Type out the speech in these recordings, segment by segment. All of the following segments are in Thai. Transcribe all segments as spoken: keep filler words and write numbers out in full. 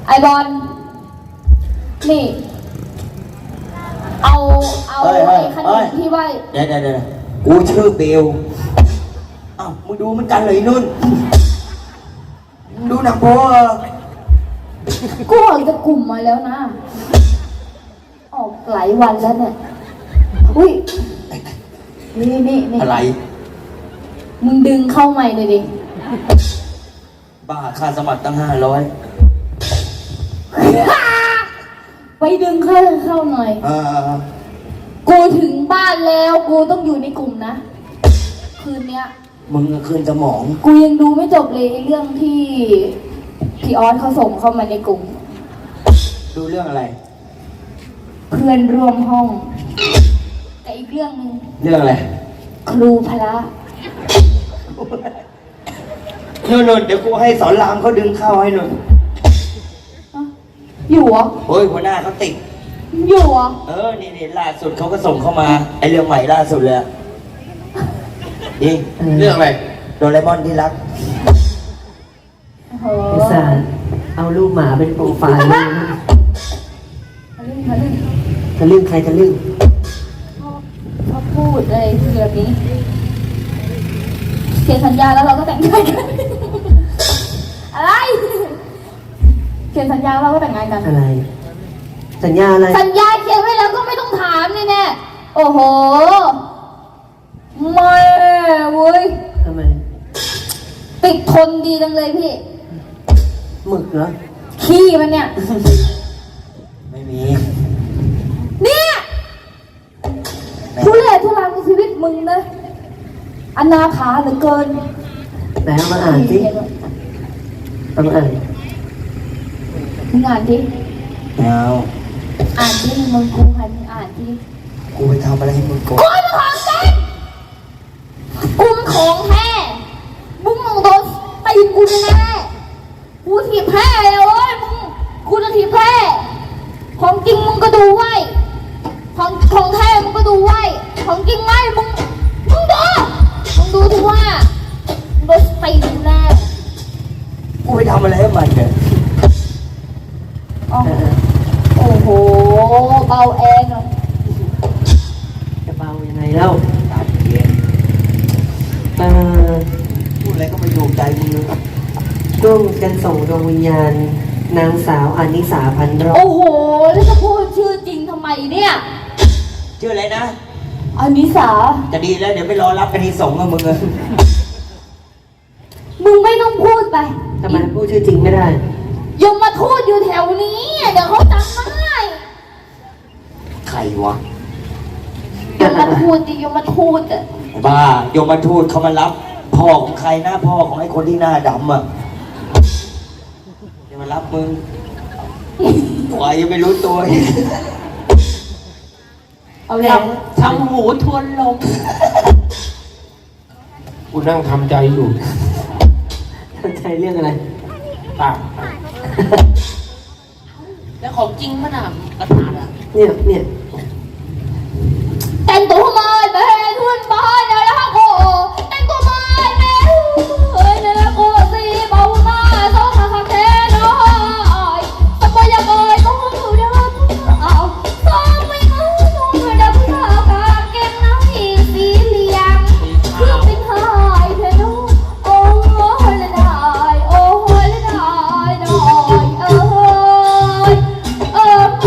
อบอลนี่เอาเอาไอ้ขนมที่ว่าเดี๋ยวเดี๋ยวเดี๋ยวกูชื่อเบลอ้าวมึงดูมันกันเลยนุ่นดูหนังโป๊กูออกจากกลุ่มมาแล้วนะออกหลายวันแล้วเนี่ยอุ้ยนี่นี่นี่อะไรมึงดึงเข้าใหม่เลยดิบ้าค่าสมัครตั้งห้าร้อยไปดึงเข้าเข้าหน่อยกูถึงบ้านแล้วกูต้องอยู่ในกลุ่มนะคืนเนี้ยมึงคืนสมองกูยังดูไม่จบเลยเรื่องที่พี่ออสเขาส่งเข้ามาในกลุ่มดูเรื่องอะไรเพื่อนร่วมห้องแต่อีกเรื่องนึงเรื่องอะไรครูพละนุ่นๆเดี๋ยวกูให้สอนรามเขาดึงเข้าให้นุ่นอยู่เหรอโอ้ยหัวหน้าเขาติดอยู่เหรอเออนี่นี่ล่าสุดเขาก็ส่งเข้ามาไอเรื่องใหม่ล่าสุดเลยจริงเรื่องอะไรโดเรมอนที่รักไอ้สารเอารูปหมาเป็นโปรไฟล์เลยทะลึ่งใครทะลึ่งเขาพูดอะไรคือแบบนี้เขียนสัญญาแล้วเราก็แต่งงานกันอะไรเขียนสัญญาเราก็แต่งงานกันอะไรสัญญาอะไรสัญญาเขียนไว้แล้วก็ไม่ต้องถามนี่แน่โอ้โหไม่เว้ยทำไมติดทนดีจังเลยพี่หมึกเหรอขี้มันเนี่ยไม่มีเนี่ยทุเรศทุรังชีวิตมึงเลยอนาถาเหลือเกินไหนเอามาอ่านสิเอามาอ่านมึงอ่านดิเอาอ่านดิมึงกูให้มึงอ่านดิกูไปทำอะไรให้มึงกูกูเป็นของจริงกูเป็นของแท้มึงมึงโดนตีกูแน่กูถีบแพ้เลยโอ้ยมึงกูจะถีบแพ้ของจริงมึงก็ดูไว้ของของแท้มึงก็ดูไว้ของจริงไหมมึงมึงดูมึงดูที่ว่าโดนตีกูแน่กูไปทำอะไรให้มันเนี่ยโอ้โหเบาแอนเลยจะเบายังไงเล่าตัดเย็นเออพูดอะไรก็ไม่ถูกใจมึงเลยร่วมกันส่งดวงวิญญาณนางสาวอานิสาพันรอบโอ้โหแล้วจะพูดชื่อจริงทำไมเนี่ยชื่ออะไรนะอานิสาจะดีแล้วเดี๋ยวไปรอรับกันที่ส่งกับมึงเลยมึงไม่ต้องพูดไปทำไมพูดชื่อจริงไม่ได้ยมมาทูตอยู่แถวนี้เดี๋ยวเขาจำได้ใครวะยมมาทูตดิยมมาทูตอะบ้ายมมาทูตเขามารับพ่อของใครนะพ่อของไอ้คนที่หน้าดำอ่ะจะมารับมึงกว่ายังไม่รู้ตัวเอาแล้วทำหูทวนลมกูนั่งทำใจอยู่ทำใจเรื่องอะไรตาแล้วของจริงมันอ่ะกระถางอ่ะเนี่ยเนี่ยแต่งตัวมาเดินทุนบ้านแล้วโก้แต่งตัวมาเดินเฮ้ยแล้วโก้สีเบาหน้าสองขาขาแค่น้อยสบายยังไงก็หูเดินเอาสองไม่เอาสองไม่ได้ผู้ชายกางเกงน้ำอีสีเหลืองเพื่อเป็นหายเธอดูโอ้ยละได้โอ้ยละได้หน่อยเอ้ยเออเอ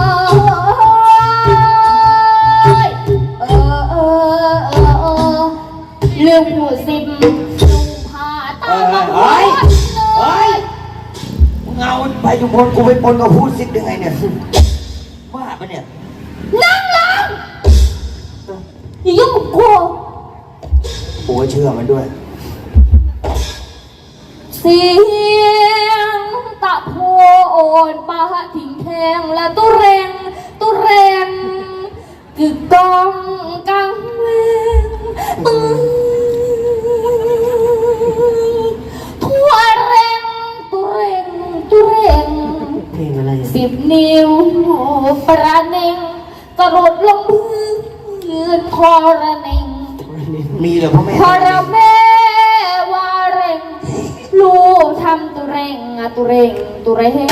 อเออเออเออเรื่องผู้สิบลุงพาตาบอดเลยมึงเอาไปจุพลกูไปปนกับพูดซิดยังไงเนี่ยบ้าปะเนี่ยนั่งลงอย่ายุ่งกับกูโอ้ยเชื่อมันด้วยเสียงตะโพนปะทิ้งแทงและตุเรงตุเรงกึกกองกังเวงมึงทั่วเรงตุเรงตุเรงเพลงอะไรสิบนิ้วประเนงกระโดดลงพื้นยืนคอระเนงมีเหรอพ่อแม่คอระแม่วาเรงลูกทำตุเรร่งอะตุเร่งตุเร่ง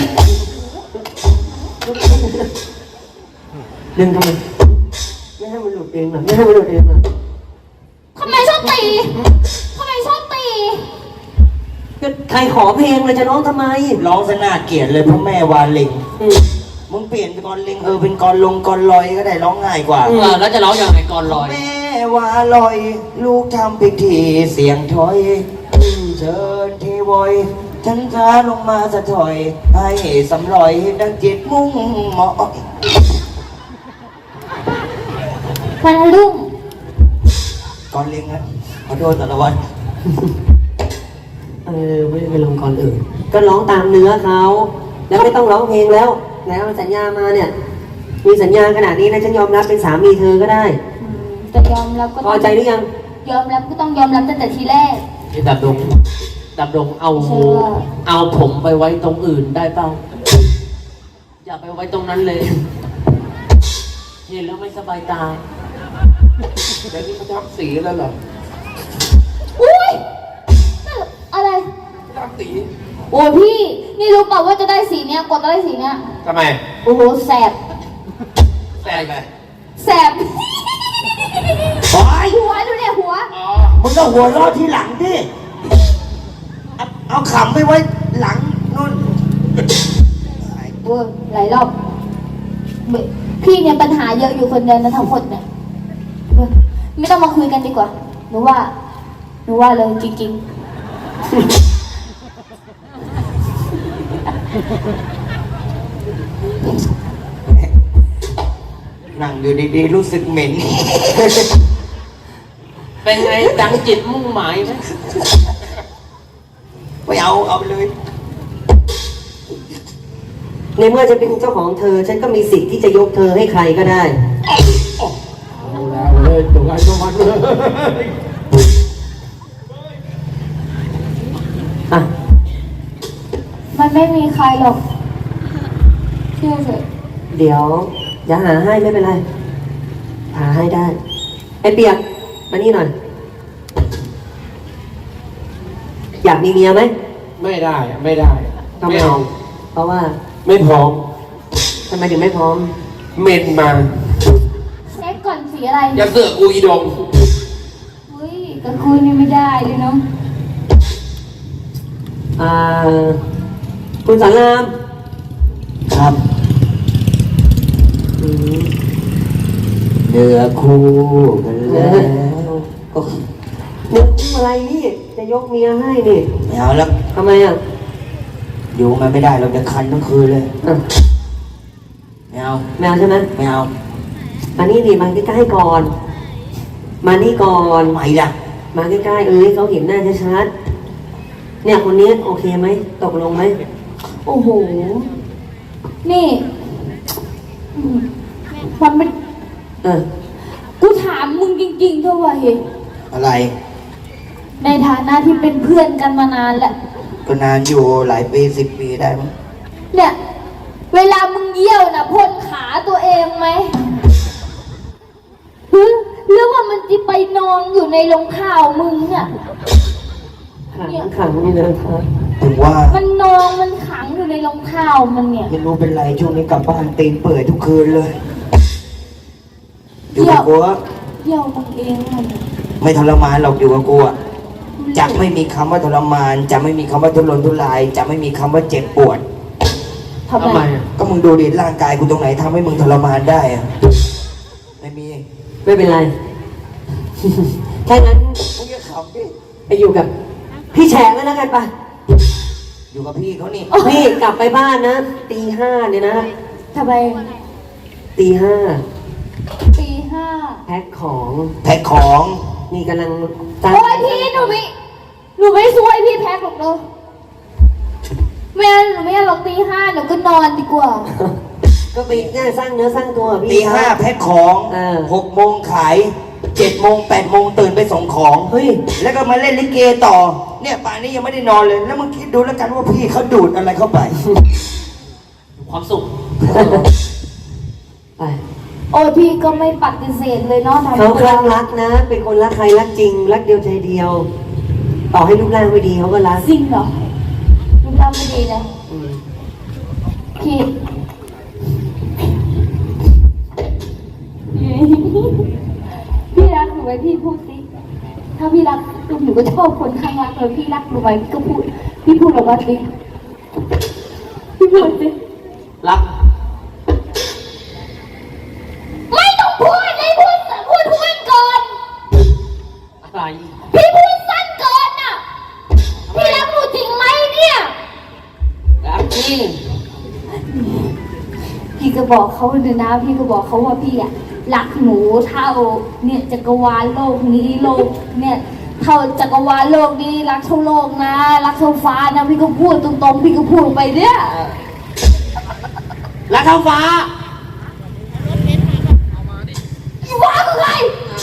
ดึงทำไมไม่ให้มันหลุดเองเหรอไม่ให้มันหลุดเองเหรอทำไมชอบตีทำไมชอบตีก็ใครขอเพลงเลยจะร้องทำไมร้องซะน่าเกลียดเลยเพราะแม่วาเล็งอืมมึงเปลี่ยนเป็นกรเล็งเออเป็นกรลงกรลอยก็ได้ร้องง่ายกว่าเออแล้วจะร้องยังไงก่อนลอยแม่วาลอย ลูกทำพิธีเสียงถอยเชิญเทวอยฉันค้าลงมาสะถอย ให้สำลอยดังจิตมุ่งเหมาะวันรุ่งกรเล็งนะขอโทษสารวัตรเออไม่ได้ไปลงก่อนอื่นก็ร้องตามเนื้อเขาแล้วไม่ต้องร้องเพลงแล้วแล้วสัญญามาเนี่ย มีสัญญาขนาดนี้นะฉันยอมรับเป็นสามีเธอก็ได้อืมจะยอมรับก็พอใจหรือยังยอมรับก็ต้องยอมรับตั้งแต่ทีแรกนี่ดับดงดับดงเอาใช่ว่าเอาผมไปไว้ตรงอื่นได้เปล่าอย่าไปไว้ตรงนั้นเลยเห็นแล้วไม่สบายตาแล้วนี่เขาทำสีแล้วเหรออุ้ยอะไรทำสีโอ้ยพี่ นี่รู้เปล่าว่าจะได้สีเนี้ยกว่าจะได้สีเนี้ยทำไมโอ้โหแสบแซ่บไงแสบโอ๊ยหัวดูเนี่ยหัวอ๋อมึงก็หัวเรอดที่หลังดิเอาเอาขำไปไว้หลังนู่นเวอร์หลายรอบไม่พี่เนี่ยปัญหาเยอะอยู่คนเดียวนะทั้งหมดเนี่ยเออไม่ต้องมาคุยกันดีกว่าหนูว่าหนูว่าเลยจริงนั่งอยู่ดีๆรู้สึกเหม็นเป็นไงดังจิตมุ่งหมายไหมไม่เอาเอาไปเลยในเมื่อฉันเป็นเจ้าของเธอ ฉันก็มีสิทธิ์ที่จะยกเธอให้ใครก็ได้เอาแล้วเลยตัวใครตัวมันเลยอ่ะๆ มันไม่มีใครหรอกเชื่อเถอะเดี๋ยวจะหาให้ไม่เป็นไร หาให้ได้ ไอ้เปียกมานี่หน่อย อยากมีเมียไหมไม่ได้อะไม่ได้ทำไมไม่เอาเพราะว่าไม่พร้อมทำไมถึงไม่พร้อมเมนมาเช็คก่อนสีอะไรอย่าเสือกกูอีดงอุ้ยกับคุณนี่ไม่ได้เลยเนาะอ่า คุณสอนรามครับอืมเนื้อคู่กันเอแล้อวก็นึกอะไรนี่ จะยกเมียให้นี่ไม่เอาแล้วทำไมอ่ะอยู่มันไม่ได้เราจะคันทั้งคืนเลยอ่ะไม่เอาแมวใช่ไหมไม่เอามานี่ดิมาใกล้ๆก่อน มานี่ก่อนทำไมล่ะมาใกล้ๆเอ้ยเขาเห็นหน้าชัดๆเนี่ยคนนี้โอเคไหมตกลงไหมโอ้โห นี่อืมมันเป็นเออกูถามมึงจริงๆเถอะวะเฮ้ยอะไรในฐานะที่เป็นเพื่อนกันมานานแล้วก็นานอยู่หลายปีสิบปีได้มั้งเนี่ย เวลามึงเยี่ยวนะพ่นขาตัวเองไหมหรือหรือว่ามันจะไปนอนอยู่ในรองเท้ามึงอะขังขังนี่นะครับถึงว่ามันนองมันขังอยู่ในรองเท้ามันเนี่ยไม่รู้เป็นไรช่วงนี้กลับบ้านตีนเปื่อยทุกคืนเลย อยู่กับกูอะเยี่ยวมึงเองมันไม่ทรมานหรอกอยู่กับกูอะจะไม่มีคำว่าทรมาน จะไม่มีคำว่าทุรนทุราย จะไม่มีคำว่าเจ็บปวดทำทำไมไมอะก็มึงดูดิร่างกายกูตรงไหนทำให้มึงทรมานได้อะไม่มีไม่เป็นไร ถ้างั้นมึงจะขำดิไปอยู่กับ พี่แฉกแล้วกันปะอยู่กับพี่เขานี่นี่กลับไปบ้านนะตีห้าเนี่ยนะทำไมตีห้าตีห้าแพ็คของแพ็คของนี่กำลังตั้งโอ้ยพี่หนูไม่หนูไม่ช่วยพี่แพ็คหรอกเนอะแม่หนูไม่หรอกตีห้าหนูก็นอนดีกว่าก็ไปเนี่ยสร้างเนื้อสร้างตัวพี่ตีห้าแพ็คของเออหกโมงขายเจ็ดโมงแปดโมงตื่นไปส่งของเฮ้ยแล้วก็มาเล่นลิเกต่อ เนี่ยป่านนี้ยังไม่ได้นอนเลย แล้วมึงคิดดูแล้วกันว่าพี่เขาดูดอะไรเข้าไปความสุขไปโอ้ยพี่ก็ไม่ปฏิเสธเลยเนาะทำเขาคลั่งรักนะ เป็นคนรักใครรักจริง รักเดียวใจเดียว ต่อให้รูปร่างไม่ดีเขาก็รักจริงเหรอรูปเราไม่ดีนะอืมพี่พี่รักหนูไหมพี่พูดสิถ้าพี่รักหนูก็ชอบคนข้างรักเลยพี่รักหนูไหมพี่ก็พูดพี่พูดออกมาสิพี่พูดสิรักไม่ต้องพูดเลยพูดพูดพูดก่อนอะไรพี่พูดสั้นเกินน่ะพี่รักหนูจริงไหมเนี่ยรักจริงพี่ก็บอกเขาเลยนะพี่ก็บอกเขาว่าพี่อะรักหนูเท่าเนี่ยจักรวาลโลกนี้โลกเนี่ยเท่าจักรวาลโลกนี้รักเท่าโลกนะรักเท่าฟ้านะพี่ก็พูดตรงๆพี่ก็พูดไปเนี่ยรักเท่าฟ้าฟ้าคือใคร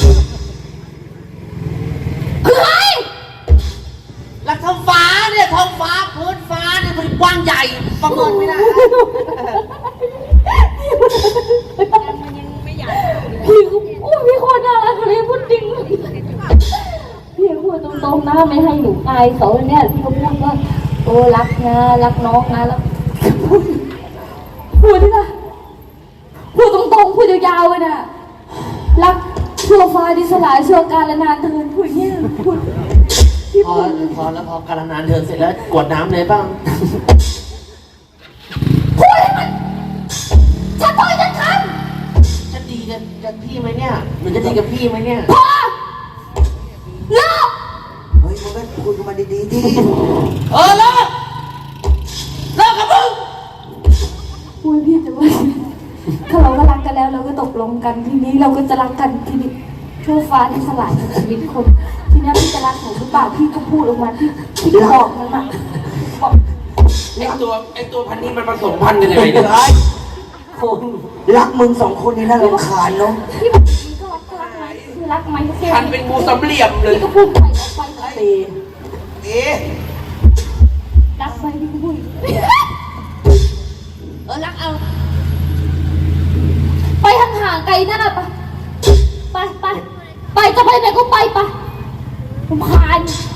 คือใครรักเท่าฟ้าเนี่ยท้องฟ้าพื้นฟ้าเนี่ยมันกว้างใหญ่ประเมินไม่ได้พี่ก็โอ้ยพี่โคตรน่ารักเลยพูดจริงพี่พูดตรงๆนะไม่ให้หนูอายเขาเนี่ยพี่ก็พูดว่าโอ้รักนะรักน้องนะแล้วพูดพูดดิล่ะพูดตรงๆพูดยาวๆเลยนะรักชั่วฟ้าดิสลายชั่วกาลนานเทินพูดเนี่ยพูดพี่พอพูดพอแล้วพอการนานเดินเสร็จแล้วกวดน้ำเลยบ้างพูดให้มันชัดถ้อยชัดคจะดีกับกับพี่ไหมเนี่ยหรือจะดีกับพี่ไหมเนี่ยำพอเลิกเฮ้ยมึงก็คุยกันมาดีๆดิเออเลิกเลิกกับมึงพูดพี่จะว่าถ้าเราก็รักกันแล้วเราก็ตกลงกันทีนี้เราก็จะรักกันทีนี้ชั่วฟ้าที่สลายชีวิตคนทีนี้พี่จะรักหนูหรือเปล่าพี่ก็พูดออกมาพี่พี่บอกมันมาบอกไอตัวไอตัวพันนี้มันผสมพันธุ์กันยังไงเนี่ยคนรักมึงสองคนนี่น่ารำคาญเนาะพี่บอกพี่ก็รักก็รักไหมคือรักไหมก็แค่พันเป็นงูสำเหลี่ยมเลยพี่ก็พูดไปออกไปเลยตีเอ๊ะรักไหมพี่ก็พูดเออรักเอาไปห่างๆไกลหน้าไปไปไปไปจะไปไหนก็ไปไปผมคาน